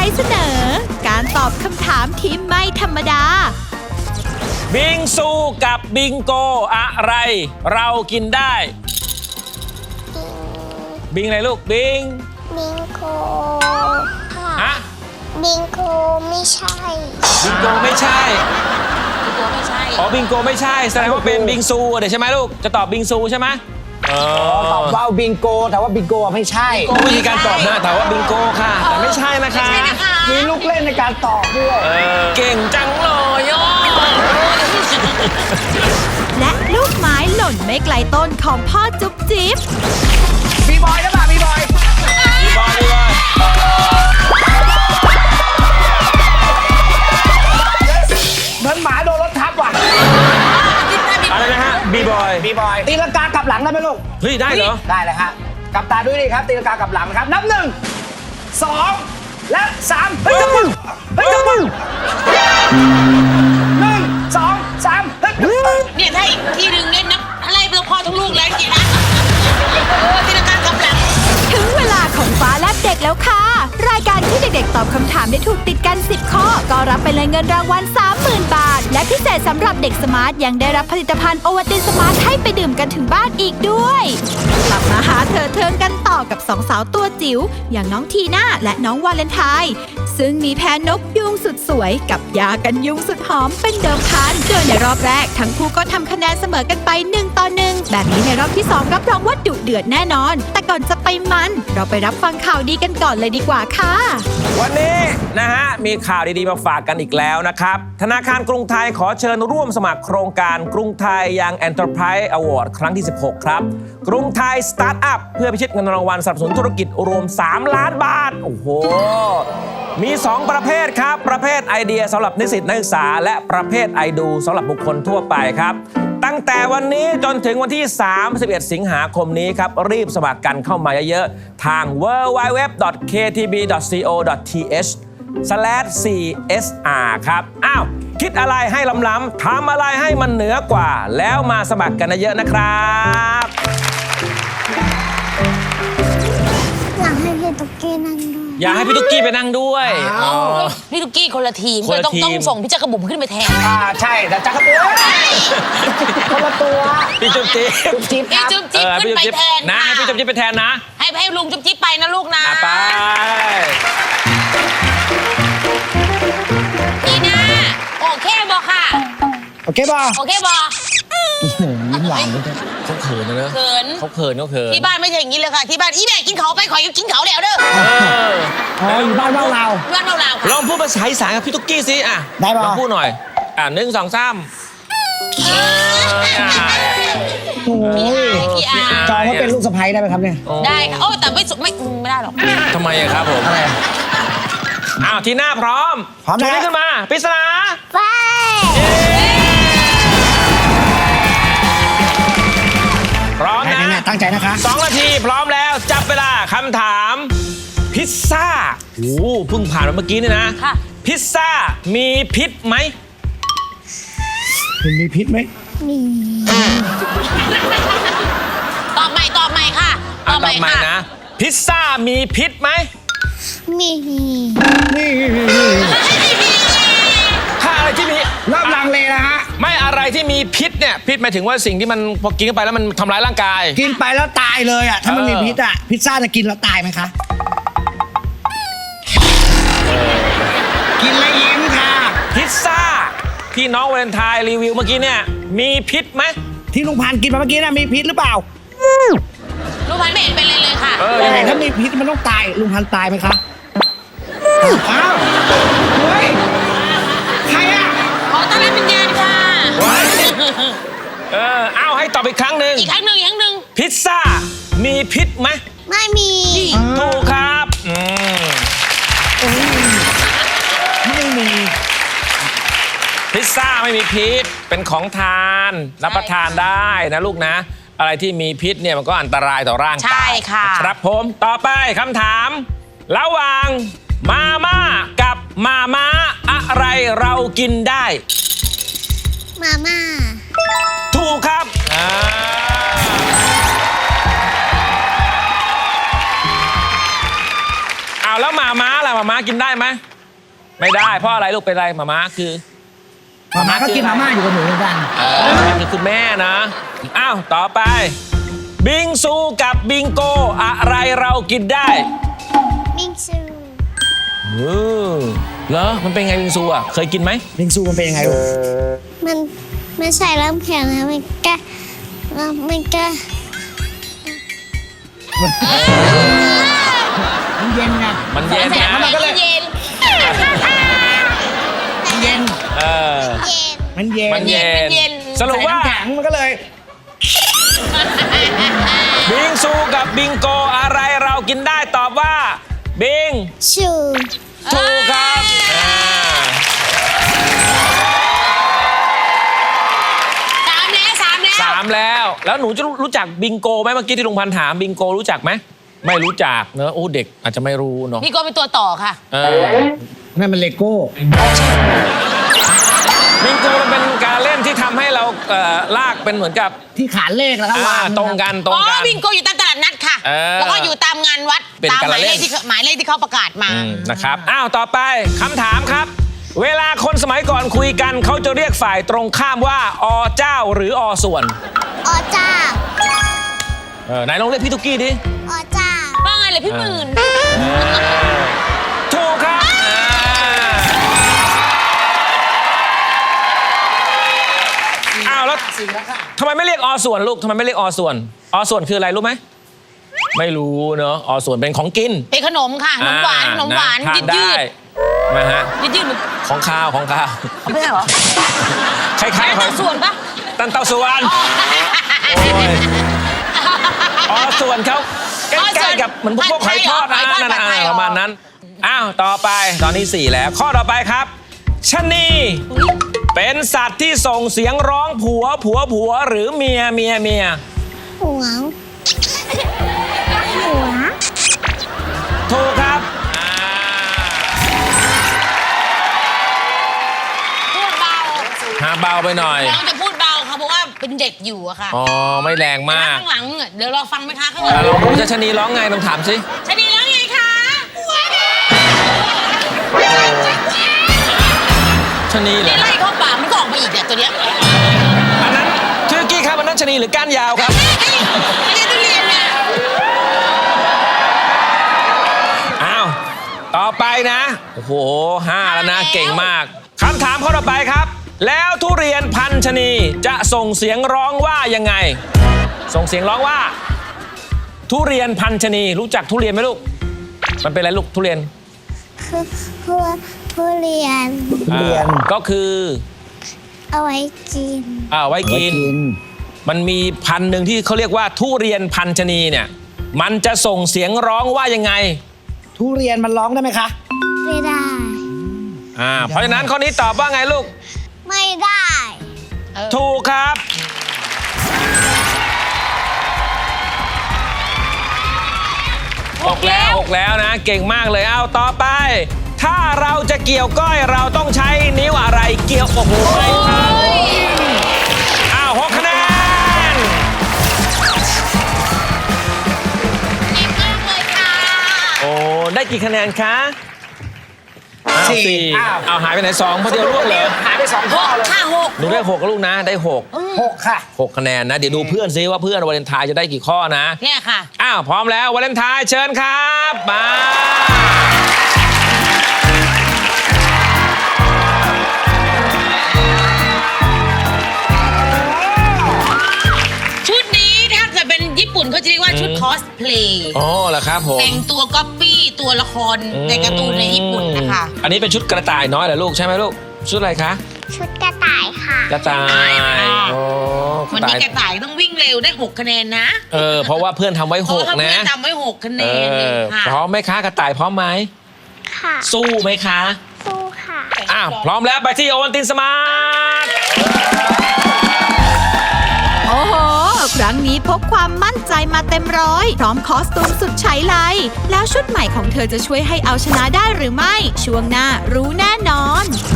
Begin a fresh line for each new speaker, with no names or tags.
เสนอการตอบคำถามที่ไม่ธรรมดา
บิงซูกับบิงโกอะไรเรากินได้บิงอะไรลูกบิง
โกค่ะ
ฮะ
บิงโกไม่ใช่
บิงโกไม่ใช่
บิงโกไม่ใช่
อ๋อบิงโกไม่ใช่แสดงว่าเป็นบิงซูเดี๋ยวใช่ไหมลูกจะตอบบิงซูใช่ไหม
ตอบว่าบิงโกแต่ว่าบิงโกไม่ใช่
วิธีการตอบนะแต่ว่าบิงโกค่ะแต่ไม่ใช่นะคะ
มีลูกเล่นในการตอบด้วย
เก่งจังเลยย่อ
และลูกไม้หล่นไม่ไกลต้นของพ่อจุ๊บจิ๊บ
บีบอยนะป่ะบีบอยเหมือนหมาโดนรถทับว่ะ
อะไรนะฮะบีบอย
ตีลังกากลับหลังได้ไหมลูก
เฮ้ยได้เหรอ
ได้เลยฮะกลับตาด้วยดิครับตีลังกากลับหลังนะครับนับ1 2และ3เฮ้ยจับมือเฮ้ยจับมือ1 2 3เฮ้ย
เนี่ยถ้าอีกทีหนึ่งเนี่ยนะอะไรเป็นพ่อทั้งลูกเลยจริงนะตีลังกากลับหลัง
ถึงเวลาของฟ้าแลบเด็กแล้วค่ะรายการที่เด็กๆตอบคำถามได้ถูกติดกัน10ข้อก็รับไปเลยเงินรางวัล 30,000 บาทและพิเศษสำหรับเด็กสมาร์ทยังได้รับผลิตภัณฑ์โอวัลตินสมาร์ทให้ไปดื่มกันถึงบ้านอีกด้วยกลับมาหาเธอเทิงกันต่อกับ2 สาวตัวจิ๋วอย่างน้องทีน่าและน้องวาเลนไทน์ซึ่งมีแพนนกยุงสุดสวยกับยากันยุงสุดหอมเป็นเดิมพันโดยในรอบแรกทั้งคู่ก็ทำคะแนนเสมอกันไป1-1แบบนี้ในรอบที่2รับรองว่าดุเดือดแน่นอนแต่ก่อนจะไปมันเราไปรับฟังข่าวดีกันก่อนเลยดีกว่าค่ะ
วันนี้นะฮะมีข่าวดีๆมาฝากกันอีกแล้วนะครับธนาคารกรุงไทยขอเชิญร่วมสมัครโครงการกรุงไทยยัง Enterprise Award ครั้งที่16ครับกรุงไทยสตาร์ทอัพเพื่อพิชิตเงินรางวัลสนับสนุนธุรกิจรวม3 ล้านบาทโอ้โหมี2ประเภทครับประเภทไอเดียสำหรับนิสิตนักศึกษาและประเภทไอดูสำหรับบุคคลทั่วไปครับตั้งแต่วันนี้จนถึงวันที่31 สิงหาคมนี้ครับรีบสมัครกันเข้ามาเยอะๆทาง www.ktb.co.th/csr ครับอ้าวคิดอะไรให้ล้ำๆทำอะไรให้มันเหนือกว่าแล้วมาสมัครกันเยอะๆนะครับ
อยากให้พี่ตุ๊กกี้นั่งด้วย
อยากให้พี่ตุ๊กกี้ไปนั่งด้วย
พี่ตุ๊กกี้คนละทีมก็ต้องส่งพี่จักรบุ๋มขึ้นไปแทน
ใช่แต่จักรบุ๋มคนละตัว
พี่จุ๊บจิ๊บ
พี่จุ๊บจิ๊บขึ้นไปแทน
นะพี่จุ๊บจิ๊บไปแทนนะ
ให้ลุงจุ๊บจิ๊บไปนะลูกนะ
ไป
นี่นะโอเคบอค่ะ
โอเคบอยิ้มหวาน
เขาเขินนะ
เขินที่บ้านไม่ใช่อย่างนี้เลยค่ะที่บ้านอีแม่กินเขาไปขอกินเขาแล้วเด้อ
อยู่บ้านเรา
ลองพูดภาษาอีสานกับพี่ตุ๊กกี้สิอ่ะ
ได้ป่ะ
ลองพูดหน่อย1 2 3
โอ้ยจองว่าเป็นลูกสะใภ้ได้ไหมครับเนี่ย
ได้ค่ะโอ้แต่ไม่ได้หรอก
ทำไมครับผม
อะไร
อ้าวทีหน้าพร้อมชูนิ้วขึ้นมาปริศนา
ไป
พร้อมนะ
ตั้งใจนะคะ
2 นาทีพร้อมแล้วจับเวลาคำถามพิซซ่าโอ้เพิ่งผ่านมาเมื่อกี้นี่นะพิซซ่ามีพิษไหม
มีพิษไหม
มี
ตอบใหม่ค่ะ
ตอบใหม่นะพิซซ่ามีพิษไหม
มี
ถ้าอะไรที่มี
เริ่มลังเลนะฮะ
ไม่อะไรที่มีพิษเนี่ยพิษหมายถึงว่าสิ่งที่มันพอกินเข้าไปแล้วมันทำร้ายร่างกาย
กินไปแล้วตายเลยอ่ะถ้ามันมีพิษอ่ะพิซซ่าจะกินแล้วตายไหมคะกินแล้วยิ้มค่ะ
พิซซ่าที่น้องวาเลนไทน์รีวิวเมื่อกี้เนี่ยมีพิษไหม
ที่ลุงพันกินมาเมื่อกี้น่ะมีพิษหรือเปล่า
ลุงพันไม่เห็นเป็นเลยค่ะ
แต่ถ้ามีพิษมันต้องตายลุงพันตายไหมคะอ้าวเฮ้ยใครอ่ะ
ขอต้อนรับวิญญาณค่ะ
เอาให้ตอบอีกครั้งหนึ่งพิซซ่ามีพิษไหม
ไม่มี
ถูกครับ
ไม่มี
พิซซ่าไม่มีพิษเป็นของทานรับประทานได้นะลูกนะอะไรที่มีพิษเนี่ยมันก็อันตรายต่อร่างกาย
ใช่ค่ะ
ครับผมต่อไปคำถามระหว่างมาม่ากับมาม้าอะไรเรากินได้
มาม่า
ถูกครับเอาแล้วมาม้าล่ะมาม้ากินได้ไหมไม่ได้เพราะอะไรลูกเป็นไรมาม่าคือ
มาม่าก็กินมาม่าอยู่กับหนูเหมือนกัน
คือคุณแม่นะอ้าวต่อไป บิงซูกับบิงโกอะไรเรากินได้
บิงซู
เหรอมันเป็นไงบิงซูอ่ะเคยกินไหม
บิงซูมันเป็นยังไงลูก
มันใส่น้ำแข็งนะมันก็
มันเย็นไง
มันเย็นนะ
มันก็เลย
เย็น
มันเย็น
เออ
มันเย็น
มันเย็น
มันเย็น
สรุปว่า
ใส่น้ำแข็งมันก็เลย
บิงซูกับบิงโกอะไรเรากินได้ตอบว่าบิง
ชู
ถูกครับ
สามแล้ว
แล้วหนูจะรู้จักบิงโกไหมเมื่อกี้ที่ลุงพันธ์ถามบิงโกรู้จักไหมไม่รู้จักเนอะโอ้เด็กอาจจะไม่รู้เนาะ
นี่ก็เป็นตัวต่อค่ะ
เออ
นั่นมันเลโก้
บิงโกมันเป็นการเล่นที่ทำให้เราลากเป็นเหมือนกับ
ที่ขานเลขแล้วก็วาง
ตรงกันตรง
อ๋อ
กัน
บิงโกอยู่ตามตลาดนัดค่ะ
เออ
แล้วก็อยู่ตามงานวัด
เป็น
ตาม
การ
หมาย
เล่
เล
น
ขที่เขาประกาศมา
นะครับอ้าวต่อไปคำถามครับ เวลาคนสมัยก่อนคุยกันเขาจะเรียกฝ่ายตรงข้ามว่าอเจ้าหรืออส่วน
ออจ้า
ไหนลองเรียกพี่ตุ๊กกี้ดิ
ออจ้า
ว่าไงเลยพี่หมื่น
ถูกครับอ้าวแล้วทำไมไม่เรียกอส่วนลูกทำไมไม่เรียกอส่วนอส่วนคืออะไรรู้ไหมไม่รู้เนอะอส่วนเป็นของกิน
เป็นขนมค่ะขนมหวานขนมหวาน
ทา
ยื
น
ด
ได้ นะฮะ
ยืดเหมือน
ของข้าวของข้าว
ไม่ใช่เหรอ
คล้ายๆข
ตั
อง
วส่วนปะ
ตันเตาส่วนโอ้ยอส่วนเขาใกล้ๆกับเหมือนพวกหอยทอดนะนั่นนะประมาณนั้นอ้าวต่อไปตอนนี้4แล้วข้อต่อไปครับชะนีเป็นสัตว์ที่ส่งเสียงร้องผัวผัวผัวหรือเมียเมียเมีย
หัว
ถูกครับ
พูดเบา
หาเบาไปหน่อย
น้องจะพูดเบาค่ะเพราะว่าเป็นเด็กอยู่อะค่ะ
อ๋อไม่แรง
แต่
มาก
ข้างหลังอะเดี๋ยวเราฟังไหมคะข้างหลัง
ลองดูชะนีร้องไงลองถามสิ
ชนีแล้วไงคะ
ชะนีเหร
นี่
อ
ไล่เข้าป่ามันก็ออกมาอีกเนี่ยตัวเนี้ย
อันนั้นชื่อกี้ครับอันนั้นชะนีหรือก้านยาวครับ
ไม่ใช่ทุเรียนเนี่ย
อ้าว ต่อไปนะ โอ้โห5แล้วนะ เก่งมาก คำถามข้อต่อไปครับ แล้วทุเรียนพันชนีจะส่งเสียงร้องว่ายังไง ส่งเสียงร้องว่า ทุเรียนพันชนีรู้จักทุเรียนไหมลูก มันเป็นอะไรลูกทุเรียน
คือผู้เรียน
ก็คือ
เอาไว้กิน
ไว้กิน มันมีพันธุ์หนึ่งที่เขาเรียกว่าทุเรียนพันชนีเนี่ย มันจะส่งเสียงร้องว่ายังไง
ทุเรียนมันร้องได้ไหมคะ
ไม่ได้
เพราะฉะนั้นข้อนี้ตอบว่าไงลูก
ไม่ได้
ถูกครับ 6 แล้วนะ เก่งมากเลยเอาต่อไป ถ้าเราจะเกี่ยวก้อยเราต้องใช้นิ้วอะไรเกี่ยวโอ้โหไม่ทัน6 คะแนน
เก่งมากเลยค่ะ
โอ้ได้กี่คะแนนคะ4 เอาหายไปไหน2พอเดียวลูกเลย
หายไป2ข้อเลย
ค่ะหก
หนูได้6ลูกนะได้6
6 ค่ะ
6 คะแนนนะ เดี๋ยวดูเพื่อนซิว่าเพื่อนวาเลนไทน์จะได้กี่ข้อนะ
เนี่ยค่ะ
พร้อมแล้ววาเลนไทน์เชิญครับมา
ชุดนี้ถ้าเกิดเป็นญี่ปุ่นเขาจะเรียกว่าชุดคอสเพลย์
อ๋อเหรอครับผม
แต่งตัวก๊อปปี้ตัวละครในการ์ตูนในญี่ปุ่นนะคะ
อันนี้เป็นชุดกระต่ายน้อยเหรอลูกใช่ไหมลูก ชุดอะไรคะ
ชุดกระต่ายค่ะ
กระต่ายโอ้
วันนี้กระต่ายต้องวิ่งเร็วได้ 6 คะแนนนะ
เพราะว่าเพื่อนทำไว้
เพราะว่า
6 นะ
เพื่อนทำไว้ 6 คะแนนค่ะ
พร้อมไหมคะกระต่ายพร้อมไหม
ค่ะ
สู้ไหมคะ
สู้ค่ะ
พร้อมแล้วไปที่โอวัลตินสมาร์ท
โอ้โห ครั้งนี้พกความมั่นใจมาเต็มร้อย พร้อมคอสตูมสุดใช้ไลแล้วชุดใหม่ของเธอจะช่วยให้เอาชนะได้หรือไม่ ช่วงหน้ารู้แน่นอน